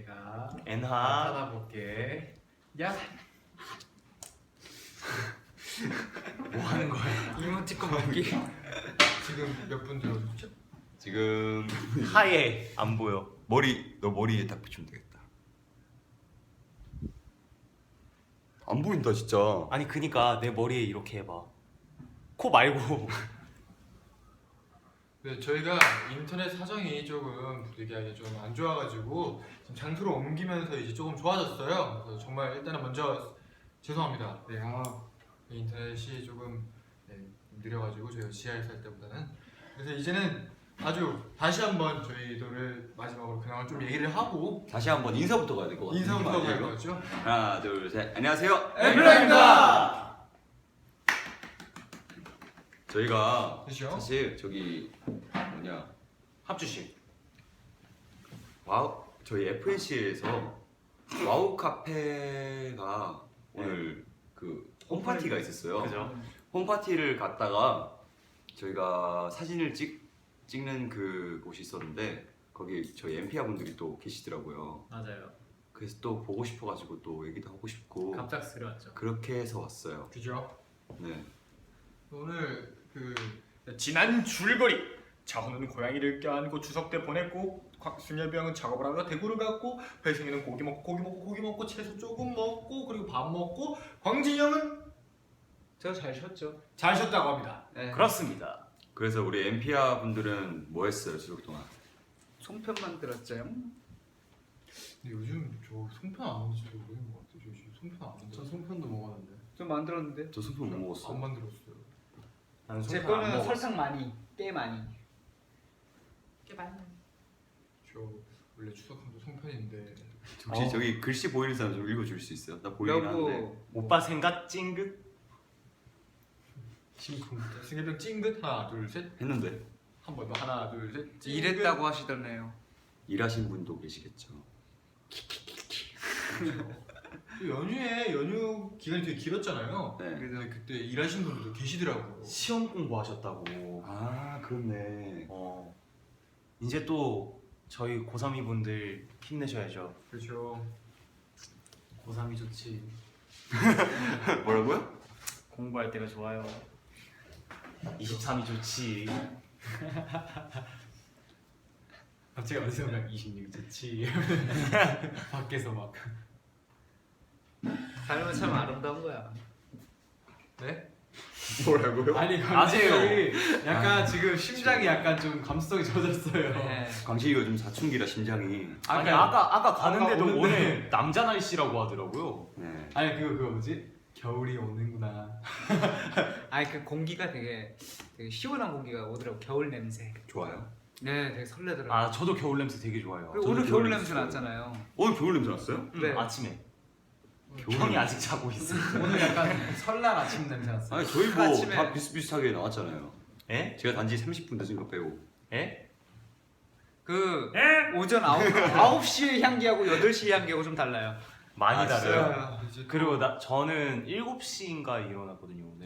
내가 엔하 나타나볼게. 야. 뭐 하는 거야? 이모티콘 먹기. 지금 몇 분 들어오셨죠? 지금 하얘 안 보여. 너 머리에 딱 붙이면 되겠다. 안 보인다 진짜. 아니 그니까 내 머리에 이렇게 해봐. 코 말고. 네, 저희가 인터넷 사정이 조금 부득이하게 좀 안 좋아가지고 지금 장소를 옮기면서 이제 조금 좋아졌어요. 그래서 정말 일단은 먼저 죄송합니다. 네, 인터넷이 조금 느려가지고 저희가 지하에 살 때보다는. 그래서 이제는 아주 다시 한번 저희들을 마지막으로 그냥 좀 얘기를 하고 다시 한번 인사부터 가야 될 것 같아요. 인사부터 가야 되죠. 하나 둘 셋. 안녕하세요. 엠블라입니다. 저희가 그렇죠? 사실 저기 뭐냐 합주실. 와우 저희 FNC에서 와우 카페가 오늘 그 홈파티가 있었어요. 그죠? 홈파티를 갔다가 저희가 사진을 찍는 그 곳이 있었는데 거기 저희 엠피아 분들이 또 계시더라고요. 맞아요. 그래서 또 보고 싶어가지고 또 얘기도 하고 싶고 갑작스러웠죠. 그렇게 해서 왔어요. 그죠? 네. 오늘 그 지난 줄거리. 자훈은 고양이를 껴안고 추석 때 보냈고 곽순열병은 작업을 하다가 대구를 갔고 회승이는 고기 먹고 채소 조금 먹고 그리고 밥 먹고 광진이 형은 저 잘 쉬었죠. 잘 쉬었다고 합니다. 네. 그렇습니다. 그래서 우리 엠피아 분들은 뭐 했어요 추석 동안? 송편 만들었죠. 근데 요즘 저 송편 안 먹어서 되게 오래된 것 같아요. 저 지금 송편 안 먹어요. 저 송편도 먹었는데. 좀 만들었는데. 저 소품 못 먹었어. 안 만들었어요. 나는 제 송편 안 거는 먹었어. 설탕 많이, 꽤 많이. 저 원래 추석하면 송편인데 혹시 저기 글씨 보이는 사람 좀 읽어줄 수 있어요? 나 보이긴 하는데. 여보. 오빠 생각 찡긋. 심쿵. 승혜병 찡긋 하나 둘 셋. 했는데 한 번 더 하나 둘 셋. 찡긋. 이랬다고 하시더네요. 일하신 분도 계시겠죠. 또 연휴 기간이 되게 길었잖아요. 네. 근데 그때 일하신 분들도 계시더라고요. 시험 공부하셨다고. 아 그렇네. 이제 또 저희 고3이 분들 힘내셔야죠. 그렇죠. 고3이 좋지. 뭐라고요? 공부할 때가 좋아요. 23이 좋지. 갑자기 어디서 막 26 좋지. 밖에서 막. 삶은 참 아름다운 거야. 네? 뭐라고요? 아니 아세요? 강식이 약간 지금 심장이 약간 좀 감수성이 젖었어요. 네. 광식이가 좀 사춘기라 심장이. 아니 아까 가는데도 오는데. 오늘 남자 날씨라고 하더라고요. 네. 아니 그거 뭐지? 겨울이 오는구나. 아니 그 공기가 되게 시원한 공기가 오더라고. 겨울 냄새. 좋아요. 네, 되게 설레더라고. 아 저도 겨울 냄새 되게 좋아해요. 그리고 저도 오늘 겨울 겨울 냄새 냄새 났잖아요. 오늘 겨울 냄새 났어요? 네. 아침에. 겨울 형이 냄새. 아직 자고 있어. 오늘 약간 설날 아침 냄새 났어요. 아니 저희 뭐 아침에- 다 비슷비슷하게 나왔잖아요. 에? 제가 단지 30분 늦은 거 빼고. 에? 그 오전 9시의 향기하고 8시의 향기하고 좀 달라요. 많이 아, 달라요. 아, 이제 그리고 저는 7시인가 일어났거든요 오늘.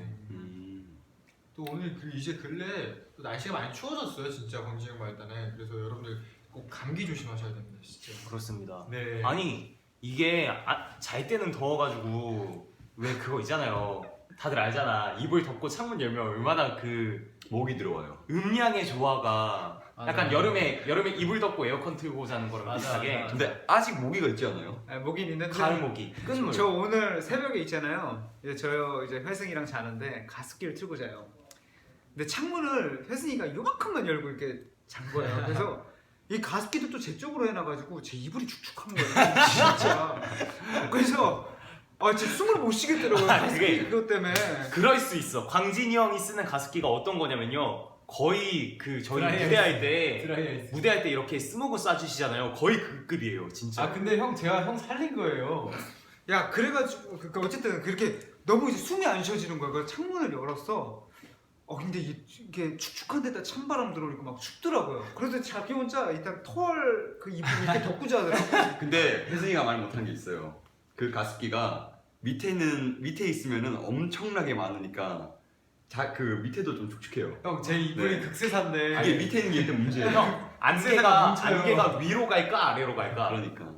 또 오늘 그 이제 근래 또 날씨가 많이 추워졌어요. 진짜 광진형 말단에. 그래서 여러분들 꼭 감기 조심하셔야 됩니다. 진짜. 그렇습니다. 네. 아니 이게 잘 때는 더워가지고 왜 그거 있잖아요. 다들 알잖아. 이불 덮고 창문 열면 얼마나 그 목이 들어와요. 음량의 조화가 약간 맞아. 여름에 이불 덮고 에어컨 틀고 자는 거랑 맞아, 비슷하게 맞아. 근데 아직 모기가 있지 않아요? 네, 모긴 있는데 가을 모기 끝물. 저 오늘 새벽에 있잖아요. 이제 회승이랑 자는데 가습기를 틀고 자요. 근데 창문을 회승이가 요만큼만 열고 이렇게 잔 거예요. 그래서 이 가습기도 또 제 쪽으로 해놔가지고 제 이불이 축축한 거예요. 진짜. 그래서 진짜 숨을 못 쉬겠더라고요. 가습기 그게- 그것 때문에. 그럴 수 있어. 광진이 형이 쓰는 가습기가 어떤 거냐면요. 거의 그 저희 드라이아이스. 무대할 때 드라이아이스. 무대할 때 이렇게 스모그 쏴주시잖아요. 거의 그 급이에요, 진짜. 아 근데 제가 형 살린 거예요. 야 그래가지고 그러니까 어쨌든 그렇게 너무 이제 숨이 안 쉬어지는 거야. 그래서 창문을 열었어. 근데 이게 축축한 데다 찬바람 들어오니까 막 춥더라고요. 그래서 자기 혼자 일단 털 그 이불 이렇게 덮고 자더라고. 근데 혜승이가 말 못한 게 있어요. 그 가습기가 밑에 있으면은 엄청나게 많으니까 그 밑에도 좀 축축해요. 형 제 이불이 네. 극세사인데. 이게 밑에 있는 게 일단 문제예요. 형 안개가 위로 갈까 아래로 갈까? 그러니까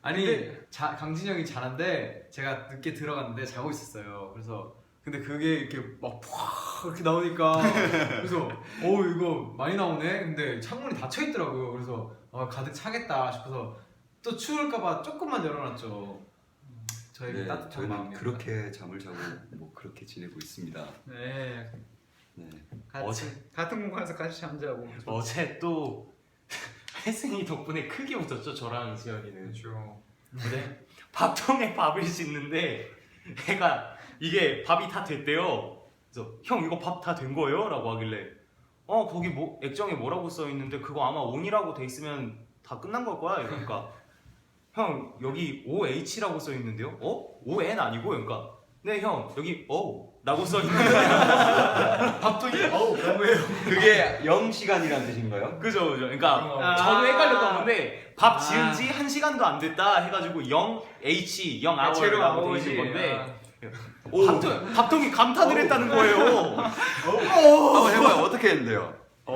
아니 강진이 형이 자는데 제가 늦게 들어갔는데 자고 있었어요. 그래서 근데 그게 이렇게 막 푹 이렇게 나오니까 그래서 이거 많이 나오네. 근데 창문이 닫혀 있더라고요. 그래서 가득 차겠다 싶어서 또 추울까봐 조금만 열어놨죠. 저에게 네, 따뜻한 저희는 마음입니다. 그렇게 잠을 자고 뭐 그렇게 지내고 있습니다. 네. 네. 같은 공간에서 같이 잠자고. 어제 또 혜승이 덕분에 크게 웃었죠. 저랑 지현이는. 그렇죠. 근데 밥통에 밥을 짓는데 애가 이게 밥이 다 됐대요. 그래서 형 이거 밥 다 된 거예요? 라고 하길래 거기 뭐 액정에 뭐라고 써 있는데 그거 아마 ON이라고 돼 있으면 다 끝난 걸 거야. 이러니까 형 여기 OH라고 써 있는데요? ON 아니고? 그러니까 네 형 여기 O 라고 써 있는데 밥통이 뭐예요? 그게 0시간이라는 뜻인가요? 그죠. 그러니까 아. 저도 헷갈렸던 건데 밥 지은 지 1시간도 안 됐다 해가지고 0H 0hour라고 돼 있는 건데 밥통이 감탄을 했다는 거예요. 한번 해봐요. 어떻게 했는데요?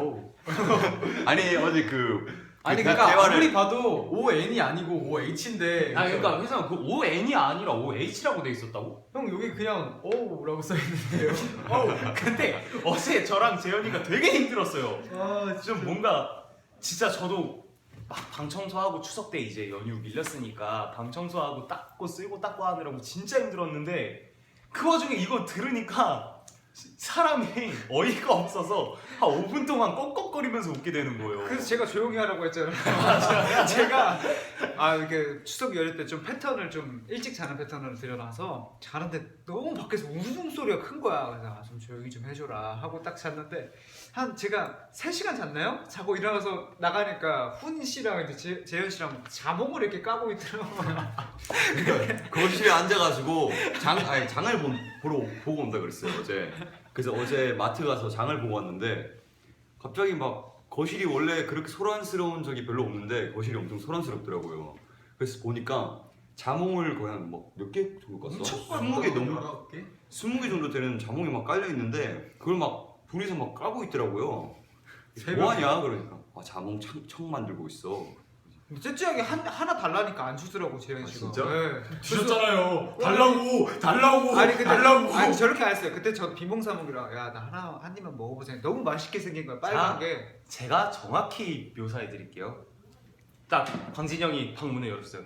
아니 어제 아니 그 그러니까 대화를 아무리 봐도 ON이 아니고 OH인데 그러니까 회사 그 ON이 아니라 OH라고 돼 있었다고? 형 여기 그냥 O라고 써 있는데요. 근데 어제 저랑 재현이가 되게 힘들었어요. 좀 뭔가 진짜 저도 막 방 청소하고 추석 때 이제 연휴 밀렸으니까 방 청소하고 닦고 쓸고 닦고 하느라고 진짜 힘들었는데 그 와중에 이거 들으니까 사람이 어이가 없어서 한 5분 동안 꺽꺽거리면서 웃게 되는 거예요. 그래서 제가 조용히 하라고 했잖아요. 제가 이렇게 추석 연휴 때 좀 패턴을 좀 일찍 자는 패턴을 들여놔서 자는데 너무 밖에서 웃음소리가 큰 거야. 그래서 좀 조용히 좀 해줘라 하고 딱 잤는데 제가 3시간 잤나요? 자고 일어나서 나가니까 훈 씨랑 이제 재현 씨랑 자몽을 이렇게 까고 있더라고요. 그러니까 거실에 앉아가지고 장을 보고 온다 그랬어요 어제. 그래서 어제 마트 가서 장을 보고 왔는데 갑자기 막 거실이 원래 그렇게 소란스러운 적이 별로 없는데 거실이 엄청 소란스럽더라고요. 그래서 보니까 자몽을 거의 한 몇 개 정도 깠어? 20개 넘고 20개 정도 되는 자몽이 막 깔려 있는데 그걸 막 둘이서 막 까고 있더라고요. 뭐하냐 그러니까 자몽 청 만들고 있어. 째째하게 하나 달라니까 안 주더라고 재현 씨가. 진짜? 네. 주셨잖아요. 달라고. 아니 근데 달라고. 아니 저렇게 안 했어요. 그때 저 비몽사몽이라 야 나 한 입만 먹어보세요. 너무 맛있게 생긴 거야 빨간 자. 게. 제가 정확히 묘사해 드릴게요. 딱 광진이 형이 방문을 열었어요.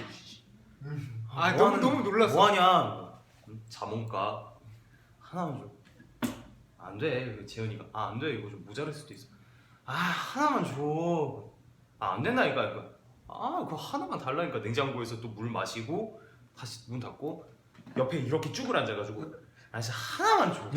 너무 놀랐어. 뭐하냐? 자몽가 하나만 줘. 안 돼. 재현이가 안 돼. 이거 좀 모자랄 수도 있어. 하나만 줘. 안 된다니까. 그거 하나만 달라니까. 냉장고에서 또 물 마시고 다시 문 닫고 옆에 이렇게 쭈글 앉아가지고 진짜 하나만 줘.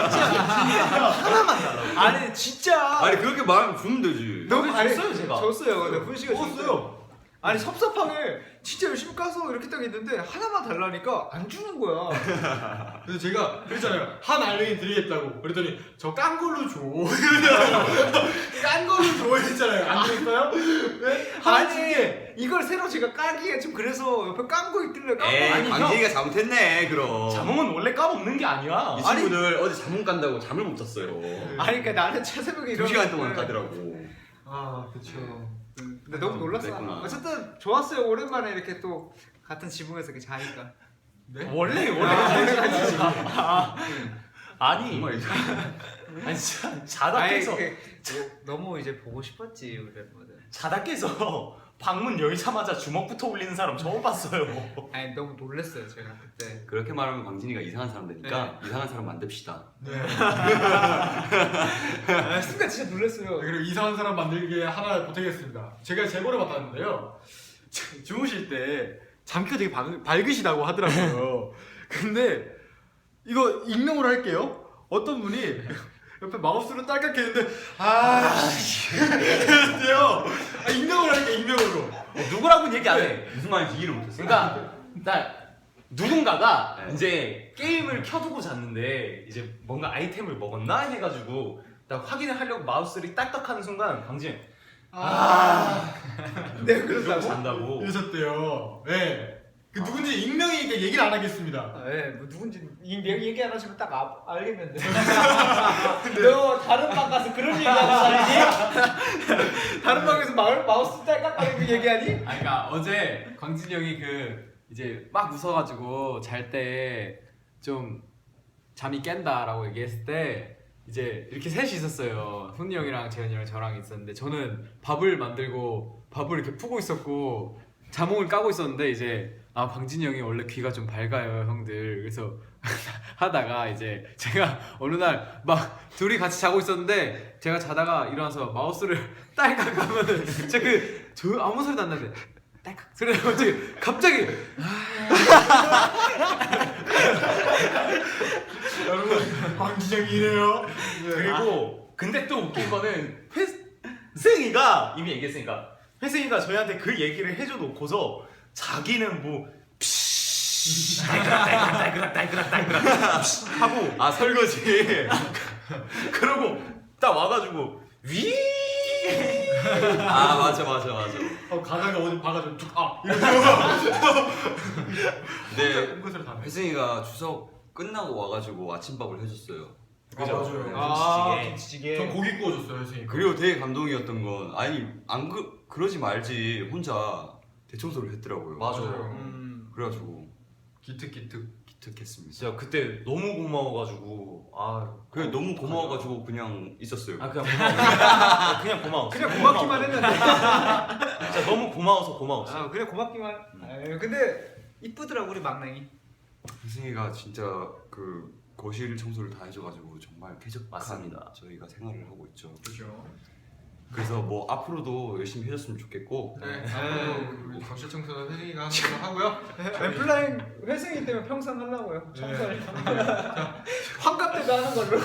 하나만 달라고. 아니 진짜. 아니 그렇게 말하면 주면 되지. 너무 줬어요, 제가. 줬어요. 근데 훈 씨가 먹었어요. 아니 섭섭하게 진짜 열심히 까서 이렇게 딱 있는데 하나만 달라니까 안 주는 거야. 그래서 제가 그랬잖아요. 한 알맹이 드리겠다고. 그랬더니 저 깐 걸로 줘. 깐 걸로 줘 했잖아요. 안 되겠어요? 네? 아니 이걸 새로 제가 까기에 좀 그래서 옆에 깐 거 있길래 깐 거. 에이 광진이가 잘못했네 그럼. 자몽은 원래 까먹는 게 아니야. 이 친구들 어제 자몽 깐다고 잠을 못 잤어요. 아니 그러니까 나는 새벽에 2시간 동안 까더라고. 그렇죠. 근데 너무 놀랐어. 그랬구나. 어쨌든 좋았어요. 오랜만에 이렇게 또 같은 지붕에서 이렇게 자니까. 원래 아니 정말 진짜 자다 아니, 깨서 너무 이제 보고 싶었지 우리 멤버들. 자다 깨서 방문 열자마자 주먹부터 올리는 사람 처음 봤어요. 아니 너무 놀랐어요 제가 그때. 그렇게 말하면 광진이가 이상한 사람 되니까 이상한 사람 만듭시다. 네. 순간 진짜 놀랐어요. 그리고 이상한 사람 만들기에 하나 보태겠습니다. 제가 제보를 받았는데요. 주무실 때 잠귀가 되게 밝으시다고 하더라고요. 근데 이거 익명으로 할게요. 어떤 분이 옆에 마우스로 딸깍 했는데 이랬대요. 익명으로 할게 익명으로. 누구라고는 얘기 안 해. 무슨 말인지 이해를 못했어. 그러니까 나 누군가가 네. 이제 게임을 켜두고 잤는데 이제 뭔가 아이템을 먹었나 해가지고 나 확인을 하려고 마우스를 딸깍하는 순간 강진 내가 이러고 그런다고? 잔다고. 이러셨대요. 네. 그 누군지 익명이니까 얘기를 안 하겠습니다. 네, 뭐 누군지 얘기 안 하시면 딱 알겠는데. 너 다른 방 가서 그런 얘기하는 사람이니? 다른 방에서 마우스 딸깍거리고 얘기하니? 아 그러니까 어제 광진이 형이 그 이제 막 웃어가지고 잘 때 좀 잠이 깬다라고 얘기했을 때 이제 이렇게 셋이 있었어요. 훈이 형이랑 재현이랑 저랑 있었는데 저는 밥을 만들고 밥을 이렇게 푸고 있었고 자몽을 까고 있었는데 이제 아 광진이 형이 원래 귀가 좀 밝아요 형들. 그래서 하다가 이제 제가 어느 날 막 둘이 같이 자고 있었는데 제가 자다가 일어나서 마우스를 딸깍 하면은 진짜 저 아무 소리도 안 나는데 딸깍 소리 나고 갑자기 여러분 광진영이 이래요. 그리고 근데 또 웃긴 거는 회승이가 이미 얘기했으니까 회승이가 저희한테 그 얘기를 해줘 놓고서 자기는 뭐 딸그락 하고 아 설거지. 그러고 딱 와가지고 위 아 맞아. 가다가 어디 봐가지고 툭 근데 홈것을 다 혜승이가 추석 끝나고 와가지고 아침밥을 해줬어요. 그죠? 맞아요. 김치찌개. 전 고기 구워줬어요 선생님. 그리고 되게 감동이었던 건 아니 안 그러지 말지 혼자 대청소를 했더라고요. 그래가지고 기특했습니다. 진짜 그때 너무 고마워가지고 그래 너무 고마워가지고 그냥 있었어요. 그냥 고마워. 그냥 고맙기만 했는데. 진짜 너무 고마웠어. 아, 그냥 고맙기만. 아유, 근데 이쁘더라고 우리 막냉이. 혜승이가 진짜 그 거실 청소를 다 해줘가지고 정말 쾌적한 맞습니다. 저희가 생활을 하고 있죠. 그렇죠. 그래서 뭐 앞으로도 열심히 해줬으면 좋겠고 네. 우리 거실 청소는 혜승이가 하는 걸로 하고요. 엠플라잉 회생이 때문에 평생 하려고요. 청소를. 네. 환갑 때도 하는 걸로.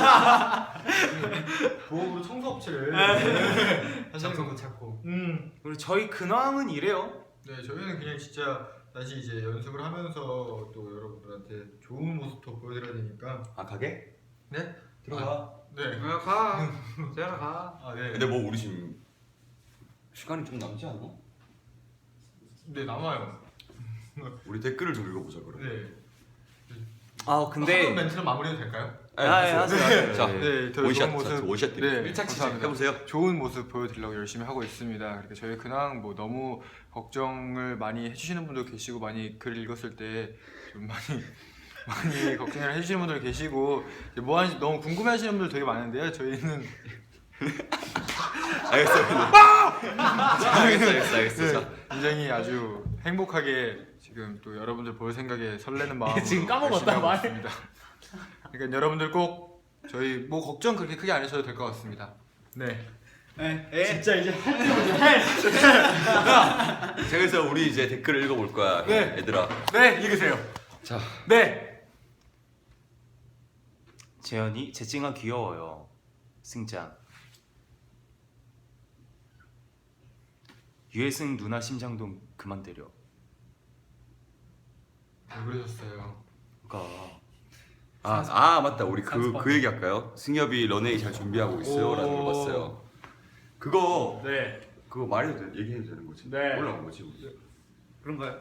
보험으로 청소업체를 하시는 거 찾고. 그리고 저희 근황은 이래요. 네, 저희는 그냥 진짜 다시 이제 연습을 하면서 또 여러분들한테 좋은 모습도 보여드려야 되니까. 아 가게? 네? 들어가. 네. 가. 재현아 가. 아 네. 근데 뭐 우리 지금 시간이 좀 남지 않나? 네 남아요. 우리 댓글을 좀 읽어보자 그럼. 네. 아 근데 멘트는 마무리해도 될까요? 하세요. 자, 네, 더 원샷, 좋은 모습. 원샷 네, 밀착 시작 감사합니다. 해보세요. 좋은 모습 보여드리려고 열심히 하고 있습니다. 그러니까 저희 근황 뭐 너무 걱정을 많이 해주시는 분도 계시고 많이 글을 읽었을 때 좀 많이 걱정을 해주시는 분들 계시고 이제 뭐 하는지 너무 궁금해하시는 분들 되게 많은데요. 저희는 알겠어. 자, 굉장히 아주 행복하게 지금 또 여러분들 볼 생각에 설레는 마음으로 지금 까먹었다, 열심히 하고 말. 있습니다. 그러니까 여러분들 꼭 저희 뭐 걱정 그렇게 크게 안 하셔도 될 것 같습니다. 네. 진짜 이제 자, 그래서 우리 이제 댓글을 읽어볼 거야. 네. 얘들아. 네, 읽으세요. 자, 네. 재현이 재찡아 귀여워요. 승장. 유해승 누나 심장동 그만 때려. 왜 그러셨어요? 그러니까 맞다. 우리 그 얘기 할까요? 승엽이 런웨이 잘 준비하고 있어요라는 걸 봤어요. 그거 네. 그거 말해도 얘기해도 되는 거지? 네. 올라온 거지. 우리. 그런가요?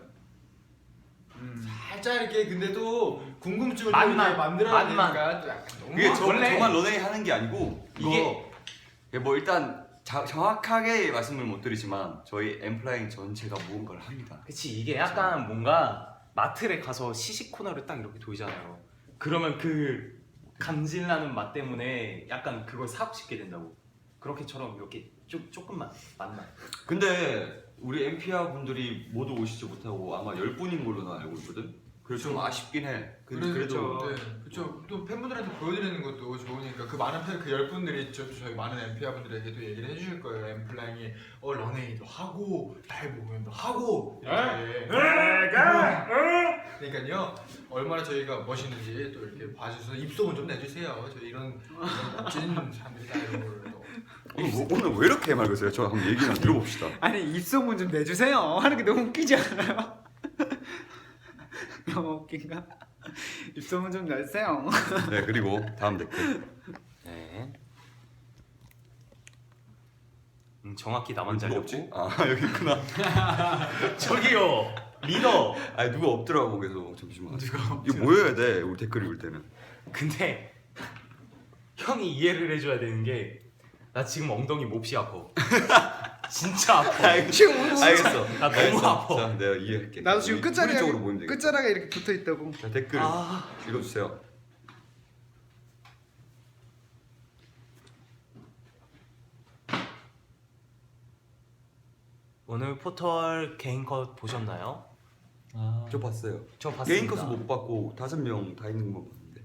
살짝 이렇게 근데 또 궁금증을 만만, 또 만들어야 만만. 되니까 또 약간 너무 그게 원래- 저만 런웨이 하는 게 아니고 이게- 이게 뭐 일단 정확하게 말씀을 못 드리지만 저희 엠플라잉 전체가 무언가를 합니다. 그치 이게 약간 뭔가 마트에 가서 시식 코너를 딱 이렇게 돌잖아요. 그러면 그 감질나는 맛 때문에 약간 그걸 사고 싶게 된다고. 그렇게처럼 이렇게 조금만 맛만. 근데 우리 엠피아 분들이 모두 오시지 못하고 아마 10분인 걸로 나 알고 있거든. 그래서 좀 아쉽긴 해. 그래도 그렇죠. 또 팬분들한테 보여드리는 것도 좋으니까 그 많은 그 10분들이 저희 많은 엠피아 분들에게도 얘기를 해주실 거예요. 엠플라잉이 런웨이도 하고 라이브 공연도 하고 이렇게. 그러니까요 얼마나 저희가 멋있는지 또 이렇게 봐주셔서 입소문 좀 내주세요. 저희 이런 멋진 사람들이다 이런 걸 또. 오늘 왜 이렇게 맑으세요? 저 한번 얘기 좀 들어봅시다. 아니 입소문 좀 내주세요. 하는 게 너무 웃기지 않아요? 너무 웃긴가? 입소문 좀 내주세요. 네, 그리고 다음 댓글. 네. 정확히 나만 누가 잘렸고. 없지? 아 여기 있구나. 저기요. 리더. 아니 누가 없더라고 계속. 잠시만. 누가 이거 뭐 해야 돼? 우리 댓글 읽을 때는. 근데 형이 이해를 해줘야 되는 게 나 지금 엉덩이 몹시 아파. 진짜 아파. 지금 알겠어. 나 너무 알겠어. 아파. 자, 내가 이해할게. 나도 지금 우리 쪽으로 끝자락에 모이면 되겠다. 끝자락에 이렇게 붙어 있다고. 자, 댓글 아. 읽어주세요. 오늘 포털 개인 컷 보셨나요? 저 봤어요. 저 봤습니다. 개인 컷은 못 봤고 5명 다 있는 것만 봤는데.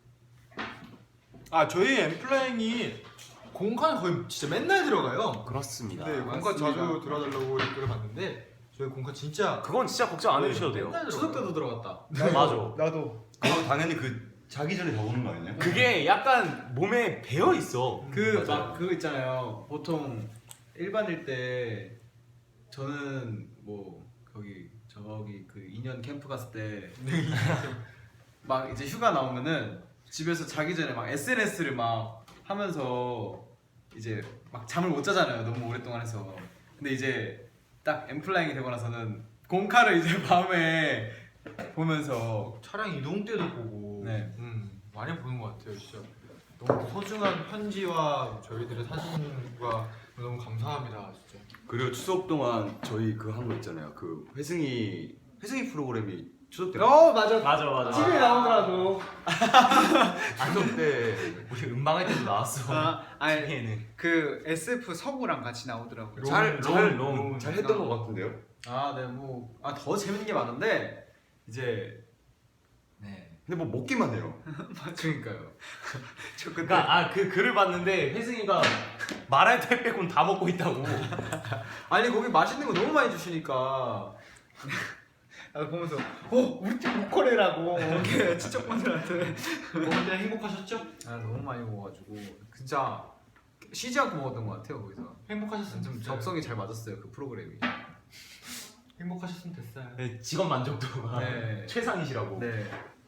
아 저희 엠플라잉이 공칸 거의 진짜 맨날 들어가요. 그렇습니다. 네, 공칸 맞습니다. 자주 들어달라고 댓글을 봤는데 저희 공칸 진짜 그건 진짜 걱정 안 해주셔도 돼요. 맨날 추석 들어가요. 때도 들어갔다. 맞아. 나도. 그거 당연히 그 자기 전에 다 오는 거 아니냐? 그게 약간 몸에 배어 있어. 그 맞아요. 막 그거 있잖아요. 보통 일반일 때 저는 뭐 저기 그 2년 캠프 갔을 때 막 이제 휴가 나오면은 집에서 자기 전에 막 SNS를 막 하면서 이제 막 잠을 못 자잖아요. 너무 오랫동안 해서. 근데 이제 딱 엠플라잉이 되고 나서는 공카를 이제 밤에 보면서 차량 이동 때도 보고 네. 많이 보는 것 같아요 진짜. 너무 소중한 편지와 저희들의 사진과 너무 감사합니다 진짜. 그리고 추석 동안 저희 그 한 거 있잖아요. 그 회승이 프로그램이 추석 때. 맞아. 맞아. TV에 나오더라고. 추석 때 우리 음방할 때도 나왔어. 아니 TV에는. 그 SF 성우랑 같이 나오더라고요. 롱. 잘 했던 것 같은데요? 더 재밌는 게 많은데 이제 네. 근데 뭐 먹기만 해요. 그러니까요. 저 그때 그러니까 그 글을 봤는데 혜승이가 말할 때 빼곤 다 먹고 있다고. 아니 거기 맛있는 거 너무 많이 주시니까 보면서 우리 팀 보컬이라고 이렇게 친척분들한테 그때 행복하셨죠? 너무 많이 먹어가지고 진짜 쉬지 않고 먹었던 것 같아요 거기서. 행복하셨으면 좀 됐어요. 적성이 잘 맞았어요 그 프로그램이. 행복하셨으면 됐어요. 네, 직업 만족도가 네. 최상이시라고. 네.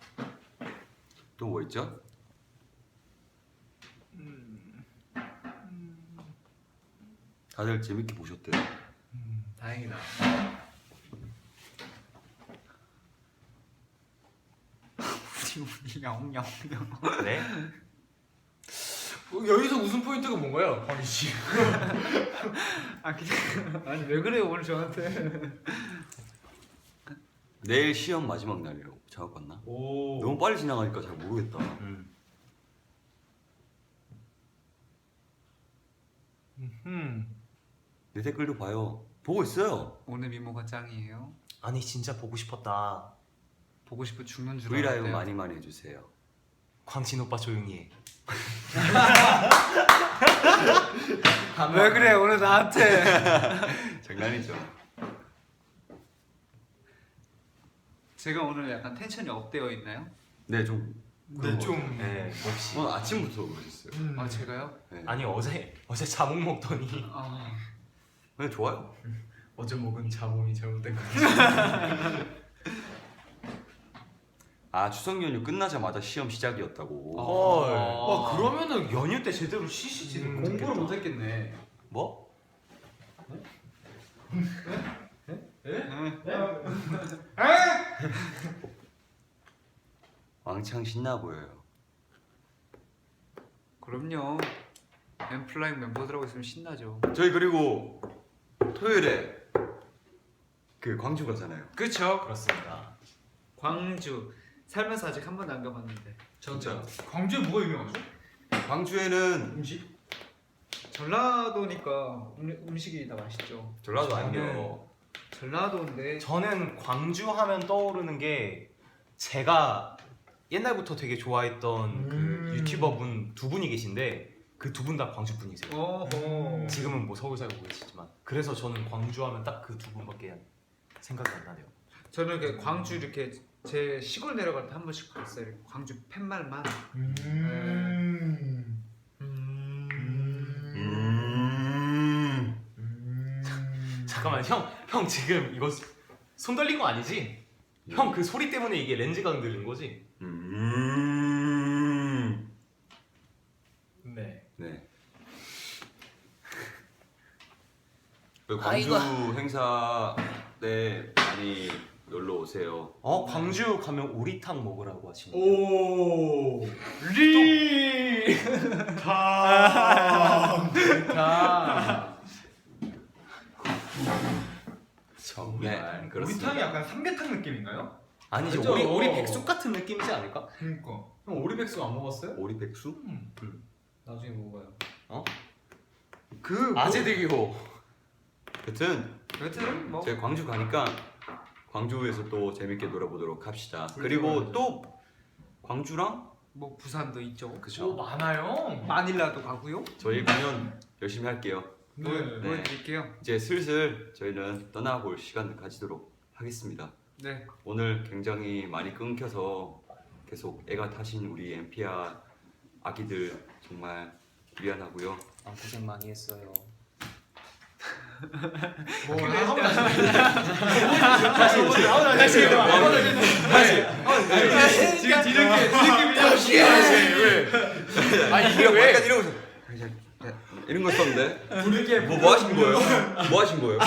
또 뭐 있죠? 다들 재밌게 보셨대요. 다행이다. 우리 영영. 네. 여기서 웃음 포인트가 뭔가요, 광희 씨? 아니 왜 그래요 오늘 저한테? 내일 시험 마지막 날이라고 작업 봤나? 오. 너무 빨리 지나가니까 잘 모르겠다. 내 댓글도 봐요. 보고 있어요. 오늘 미모가 짱이에요. 아니 진짜 보고 싶었다. 보고 싶어 죽는 줄 브이라이브 알았대요. 많이 해주세요. 광진 오빠 조용히 해. 왜 그래 오늘 나한테? 장난이죠. 제가 오늘 약간 텐션이 업되어 있나요? 네, 좀. 네, 좀. 네, 몹시. 오늘 아침부터 그러셨어요. 아 제가요? 네. 아니 어제 자몽 먹더니 아 네, 좋아요. 어제 먹은 자몽이 잘못된 거. 아, 추석 연휴 끝나자마자 시험 시작이었다고. 헐. 와 그러면은 연휴 때 제대로 쉬시지. 공부를 못했겠네. 뭐? 왕창 신나 보여요. 그럼요. 엠플라잉 멤버들하고 있으면 신나죠. 저희 그리고 토요일에 그 광주 가잖아요. 그쵸? 그렇습니다. 광주 살면서 아직 한 번도 안 가봤는데. 진짜 광주에 뭐가 유명하죠? 광주에는 음식? 전라도니까 음식이 다 맛있죠. 전라도 아니에요. 전라도인데 저는 광주 하면 떠오르는 게 제가 옛날부터 되게 좋아했던 그 유튜버분 두 분이 계신데 그 두 분 다 광주 분이세요. 어허. 지금은 뭐 서울 살고 계시지만 그래서 저는 광주 하면 딱 그 두 분밖에 생각이 안 나네요. 저는 이렇게 광주 이렇게 제 시골 내려갈 때 한 번씩 봤어요. 이렇게 광주 팻말만. 잠깐만 형 지금 이거 손 떨린 거 아니지? 형 그 소리 때문에 이게 렌즈가 흔들린 거지? 네. 네. 그 광주 행사 때 많이 놀러 오세요. 광주 가면 오리탕 먹으라고 하시네요. 오. 다. 정말. 네, 그렇습니다. 우리탕이 약간 삼계탕 느낌인가요? 아니죠. 그죠? 오리 백숙 같은 느낌이지 않을까? 그러니까. 형 오리백숙 안 먹었어요? 오리백수? 나중에 먹어요. 그 아재들기호. 여튼 뭐 제가 광주 가니까 광주에서 또 재밌게 놀아보도록 합시다. 그리고 또 광주랑 뭐 부산도 있죠. 그죠? 많아요. 마닐라도 가고요. 저희 공연 열심히 할게요. 네. 보여드릴게요. 이제 슬슬 저희는 떠나볼 시간을 가지도록 하겠습니다. 네. 오늘 굉장히 많이 끊겨서 계속 애가 타신 우리 엠피아 아기들 정말 미안하고요. 고생 많이 했어요. 뭐 지금 뒤늦게 다시 이게 왜? 약간 이러고 있어. 이런 거 썼는데 부르게 뭐 하신 거예요? 뭐 하신 거예요?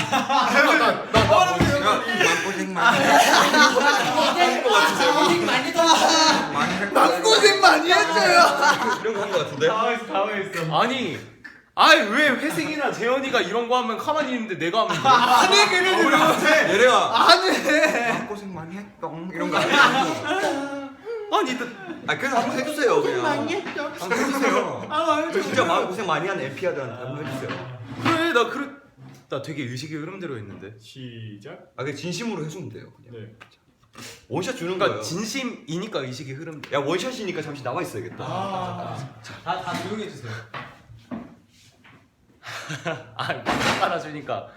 고생 많이 고생 많이 했어요. 이런 거 한 거 같은데? 당황했어. 아니 왜 회생이나 재현이가 이런 거 하면 가만히 있는데 내가 하면 돼? 얘네가 안해. 고생 많이 했똥 이런 거 아니야? 아니 그래서 한번 해주세요 그냥. 한번 해주세요. 진짜 마음 고생 많이 한 엠피아들한테 한번 해주세요. 그래 나 되게 의식의 흐름대로 했는데. 시작. 아 그냥 진심으로 해주면 돼요. 그냥. 네. 원샷 주는 그러니까 거예요. 진심이니까 의식의 흐름. 야 원샷이니까 잠시 나와 있어야겠다. 다 조용히 해주세요. 깔아주니까.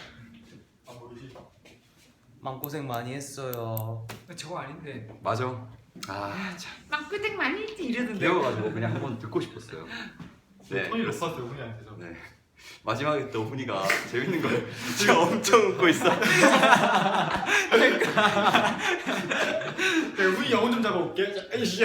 마음고생 많이 했어요. 저거 아닌데. 맞아. 아 참. 막고생 많이 했지 이러던데. 배워가지고 그냥 한번 듣고 싶었어요. 네. 톤이 높았어요 훈이한테서. 네. 마지막에 또 훈이가 재밌는 걸 진짜 엄청 웃고 있어. 훈이 영혼 좀 잡아볼게. 자, 에이씨야.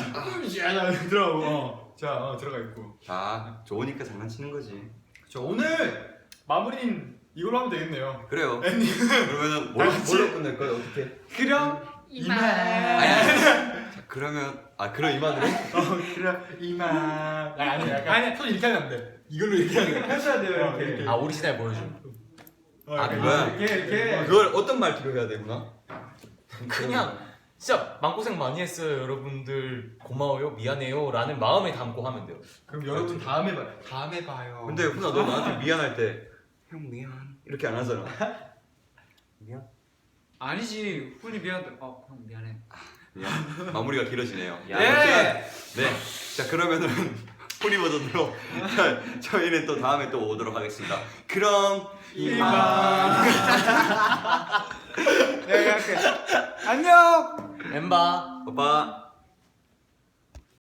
들어가고. 자 들어가 있고. 자 좋으니까 장난치는 거지. 저 오늘 마무리는 이걸로 하면 되겠네요. 그래요. 그러면은 뭘로 끝낼 거예요? 어떻게? 그럼 이만. 자, 그러면 그럼 이만으로? 그럼 이만. 아니 약간 손 이렇게 하면 안 돼. 이걸로 이렇게 하면 돼. 해줘야 돼요 이렇게. 오리지널 보여줘. 그거야? 이렇게. 그걸 어떤 말투로 해야 되구나? 그냥 진짜 마음고생 많이 했어요 여러분들 고마워요 미안해요 라는 마음에 담고 하면 돼요. 그럼 여러분 다음에 봐요. 다음에 봐요. 근데 훈아 너 나한테 미안할 때 형 미안 이렇게 안 하잖아. 미안. 아니지. 훈이 미안해. 형 미안해. 미안. 마무리가 길어지네요. 야. 네. 자 그러면은 훈이 버전으로 저희는 또 다음에 또 오도록 하겠습니다. 그럼 이만. 내가 할게. 안녕. 엠바. 오빠.